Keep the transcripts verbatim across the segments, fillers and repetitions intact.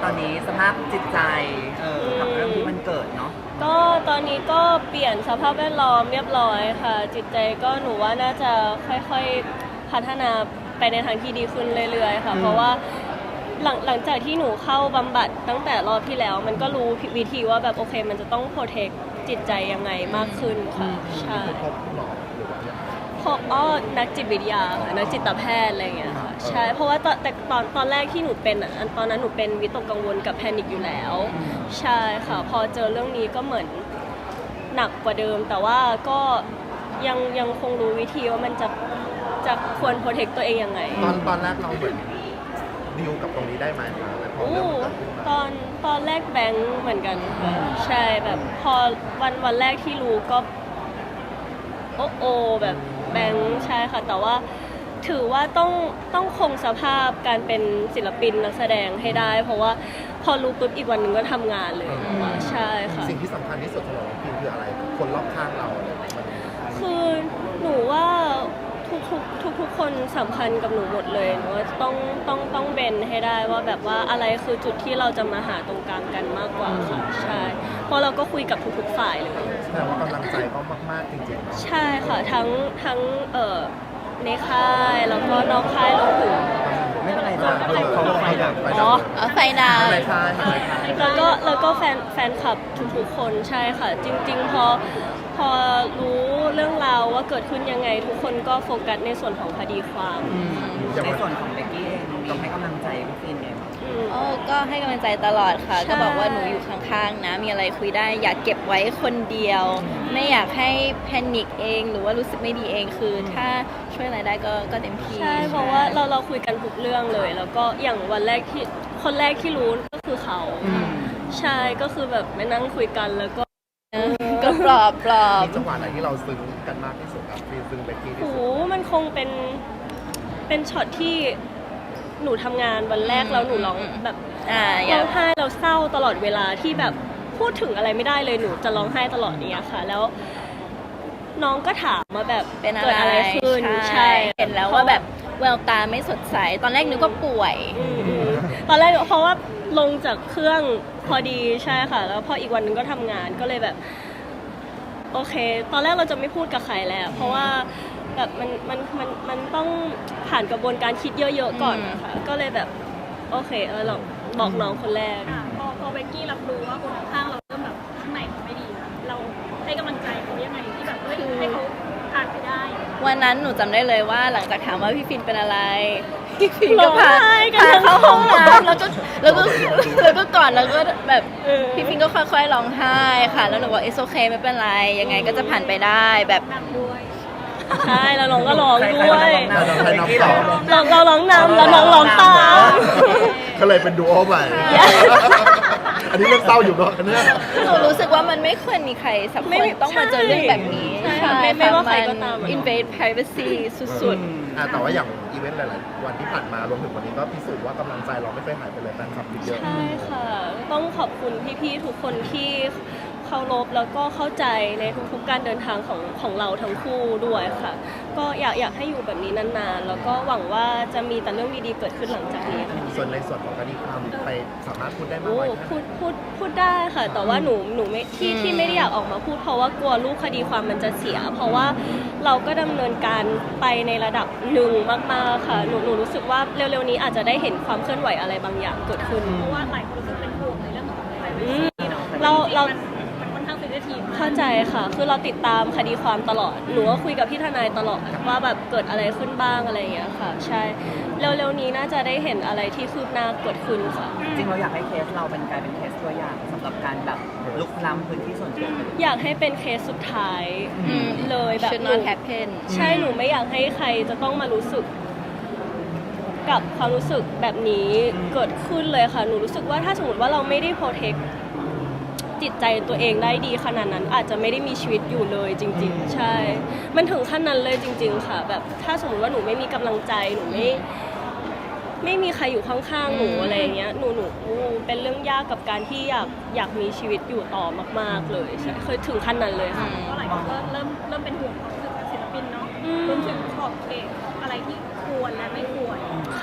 อนนี้สภาพจิตใจเออกับเรื่องที่มันเกิดเนาะก็ตอนนี้ก็เปลี่ยนสภาพแวดล้อมเรียบร้อยค่ะจิตใจก็หนูว่าน่าจะค่อยๆพัฒนาไปในทางที่ดีขึ้นเรื่อยๆค่ะเพราะว่าหลังหลังจากที่หนูเข้าบำบัดตั้งแต่รอบที่แล้วมันก็รู้วิธีว่าแบบโอเคมันจะต้องโปรเทคจิตใจยังไงมากขึ้นค่ะใช่พบหมอหรือว่าพบอ๋อนักจิตวิทยาค่ะนักจิตแพทย์อะไรอย่างเงี้ยค่ะใช่เพราะว่าตอนแต่ตอนตอนแรกที่หนูเป็นอ่ะตอนนั้นหนูเป็นวิตกกังวลกับแพนิคอยู่แล้วใช่ค่ะพอเจอเรื่องนี้ก็เหมือนหนักกว่าเดิมแต่ว่าก็ยังยังคงรู้วิธีว่ามันจะจะควรโปรเทคตัวเองยังไงตอนตอนแรกเราเหมือนดิวกับตรงนี้ได้ไหมคะพอเรื่องมันเกิดขึ้นมาตอนตอนแรกแบงค์เหมือนกันค่ะใช่แบบพอวันวันแรกที่รู้ก็โอ้โอแบบแบงค์ใช่ค่ะแต่ว่าถือว่าต้องต้องคงสภาพการเป็นศิลปินนักแสดงให้ได้ เพราะว่าพอรู้ปุ๊บอีกวันหนึ่งก็ทำงานเลยใช่ค่ะสิ่งที่สำคัญที่สุดสำหรับน้องพิมคืออะไรคนรอบข้างเราอะไรมันคือหนูว่าทุกทุกทุกทุกคนสำคัญกับหนูหมดเลยหนูว่าต้องต้องต้องเบนให้ได้ว่าแบบว่าอะไรคือจุดที่เราจะมาหาตรงกลางกันมากกว่าค่ะใช่เพราะเราก็คุยกับทุกๆฝ่ายเลยแต่ว่ากำลังใจเขามากๆจริงๆใช่ค่ะทั้งทั้งเอ่อในค่ายแล้วก็นอกค่ายรวมถึงไม่เป็นไรจ้ะเขาไฟดับอ๋อไฟดาวแล้วก็แล้วก็แฟนแฟนคลับทุกๆคนใช่ค่ะจริงๆพอพอรู้เรื่องราวว่าเกิดขึ้นยังไงทุกคนก็โฟกัสในส่วนของคดีความในส่วนของเบกกี้เองต้องให้กำลังใจพี่ฟินเองโอ้ก็ให้กำลังใจตลอดค่ะก็บอกว่าหนูอยู่ข้างๆนะมีอะไรคุยได้อยากเก็บไว้คนเดียวไม่อยากให้แพนิคเองหรือว่ารู้สึกไม่ดีเองคือถ้าช่วยอะไรได้ก็ก็เต็มที่ใช่เพราะว่าเราเราคุยกันทุกเรื่องเลยแล้วก็อย่างวันแรกที่คนแรกที่รู้ก็คือเขาใช่ก็คือแบบไปนั่งคุยกันแล้วก็ก็ปลอบปลอบจังหวะไหนที่เราซึ้งกันมากที่สุดครับฟินซึ้งเบกกี้ที่สุดโอ้มันคงเป็นเป็นช็อตที่หนูทำงานวันแรกแล้วหนูร้องแบบร้องไห้เราเศร้าตลอดเวลาที่แบบพูดถึงอะไรไม่ได้เลยหนูจะร้องไห้ตลอดนี้ค่ะแล้วน้องก็ถามมาแบบเป็นเกิดอะไรขึ้นใช่เห็นแล้วว่าแบบแววตาไม่สดใสตอนแรกนึกว่าป่วยตอนแรกเพราะว่าลงจากเครื่องพอดีใช่ค่ะแล้วพออีกวันนึงก็ทำงานก็เลยแบบโอเคตอนแรกเราจะไม่พูดกับใครแล้วเพราะว่าแบบมันมันมันมันต้องผ่านกระบวนการคิดเยอะๆก่อนนะคะก็เลยแบบโอเคเออเราบอกน้องคนแรกพอพอเบกกี้รับรู้ว่าคนข้างเราเริ่มแบบข้างในไม่ดีเราให้กำลังใจเขายังไงที่แบบให้เขาผ่านไปได้วันนั้นหนูจำได้เลยว่าหลังจากถามว่าพี่ฟินเป็นอะไรพี่ฟินก็พาพาเข้าห้องน้ำแล้วก็แล้วก็แล้วก็ก่อนแล้วก็แบบพี่ฟินก็ค่อยๆร้องไห้ค่ะแล้วหนูบอกเอสโอเคไม่เป็นไรยังไงก็จะผ่านไปได้แบบใช่แล้วน้องก็ร้องด้วยเราเราร้องนำแล้วน้องร้องตามก็เลยเป็นดูโอใหม่อันนี้เรื่องเศร้าอยู่เนาะอันนี้หนูรู้สึกว่ามันไม่ควรมีใครสักคนต้องมาเจอเรื่องแบบนี้ใช่ไม่ว่าใครก็ตาม invade privacy สุดๆแต่ว่าอย่างอีเวนต์หลายๆวันที่ผ่านมารวมถึงวันนี้ก็พิสูจน์ว่ากำลังใจเราไม่เคยหายไปเลยแฟนคลับเยอะใช่ค่ะต้องขอบคุณพี่ๆทุกคนที่เคารพแล้วก็เข้าใจในทุกๆการเดินทางของของเราทั้งคู่ด้วยค่ะก็อยากอยากให้อยู่แบบนี้นานๆแล้วก็หวังว่าจะมีแต่เรื่องดีๆเกิดขึ้นหลังจากนี้ค่ะส่วนในส่วนของคดีความไปสามารถพูดได้มากไหมพูดพูดพูดได้ค่ะแต่ว่าหนูหนูไม่ที่ที่ไม่ได้อยากออกมาพูดเพราะว่ากลัวรูปคดีความมันจะเสียเพราะว่าเราก็ดำเนินการไปในระดับหนึ่งมากๆค่ะหนูหนูรู้สึกว่าเร็วๆนี้อาจจะได้เห็นความเคลื่อนไหวอะไรบางอย่างเกิดขึ้นเพราะว่าหลายคนรู้สึกเป็นห่วงในเรื่องของอะไรเนาะเราเราเข้าใจค่ะคือเราติดตามคดีความตลอดหนูก็คุยกับพี่ทนายตลอดว่าแบบเกิดอะไรขึ้นบ้างอะไรอย่างเงี้ยค่ะใช่เร็วๆนี้น่าจะได้เห็นอะไรที่คืบหน้าเกิดขึ้นค่ะจริงเราอยากให้เคสเราเป็นกลายเป็นเคสตัวอย่างสำหรับการแบบลุกล้ำพื้นที่ส่วนตัวอยากให้เป็นเคสสุดท้ายเลยแบบ should not happen ใช่หนูไม่อยากให้ใครจะต้องมารู้สึกกับความรู้สึกแบบนี้เกิดขึ้นเลยค่ะหนูรู้สึกว่าถ้าสมมติว่าเราไม่ได้โปรเทคจิตใจตัวเองได้ดีขนาดนั้นอาจจะไม่ได้มีชีวิตอยู่เลยจริงๆใช่มันถึงขั้นนั้นเลยจริงๆค่ะแบบถ้าสมมติว่าหนูไม่มีกำลังใจหนูไม่ไม่มีใครอยู่ข้างๆหนูอะไรอย่างเงี้ยหนูหนูเป็นเรื่องยากกับการที่อยากอยากมีชีวิตอยู่ต่อมากๆเลยใช่เคยถึงขั้นนั้นเลยค่ะเพราะหลายคนเริ่มเริ่มเริ่มเป็นห่วงความรู้สึกศิลปินเนาะรวมถึงขอบเขตอะไรที่ควรและไม่ควร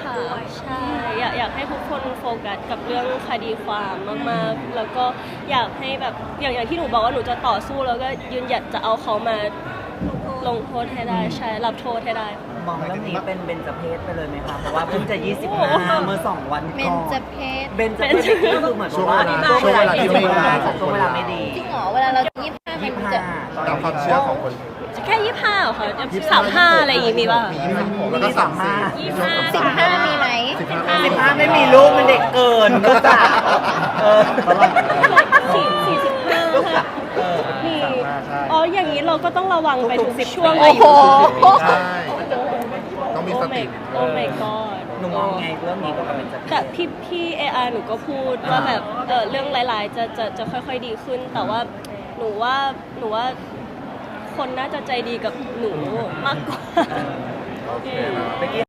ค่ะใช่อยากอยากให้ทุกคนโฟกัสกับเรื่องคดีความมากๆ แล้วก็อยากให้แบบอย่างอย่างที่หนูบอกว่าหนูจะต่อสู้แล้วก็ยืนหยัดจะเอาเขามาลงโทษให้ได้ใช่รับโทษให้ได้มองเรื่องนี้เป็นเบญจเพศไปเลยไหมคะ เพราะว่าเพิ่งจะ ยี่สิบห้า เมื่อสองวันเบก่อน นจเพศเบญจเพศนี่คือเหมือนกับว่าช่วงเวลาที่ไม่ดีช่วงเวลาไม่ดีจริงเหรอเวลาเรายี่สิบห้ายี่มันสิบจะห้าตามความเชื่อของคนแค่ยี่ห้าเหรอคะสามห้าอะไรอย่างงี้มีป่ะมียี่สิบหกแล้วก็สามสี่ยี่สิบห้าสิบห้ามีไหมสิบห้าสิบห้าไม่มีลูกมันเด็กเกินก็จะเออสี่สี่สิบห้าค่ะเออมีใช่อ๋ออย่างนี้เราก็ต้องระวังไปทุกทุกๆช่วงสิบอายุใช่ต้องมีโอ้สไม่ติโอ้ my god หนูมองไงเรื่องนี้กับเบญจเพศแต่พี่พี่เออาร์หนูก็พูดว่าแบบเออเรื่องหลาย ๆ จะจะจะค่อย ๆ ดีขึ้น แต่ว่าหนูว่าหนูว่าคนน่าจะใจดีกับหนูมากกว่าโอเคนะเมื่อกี้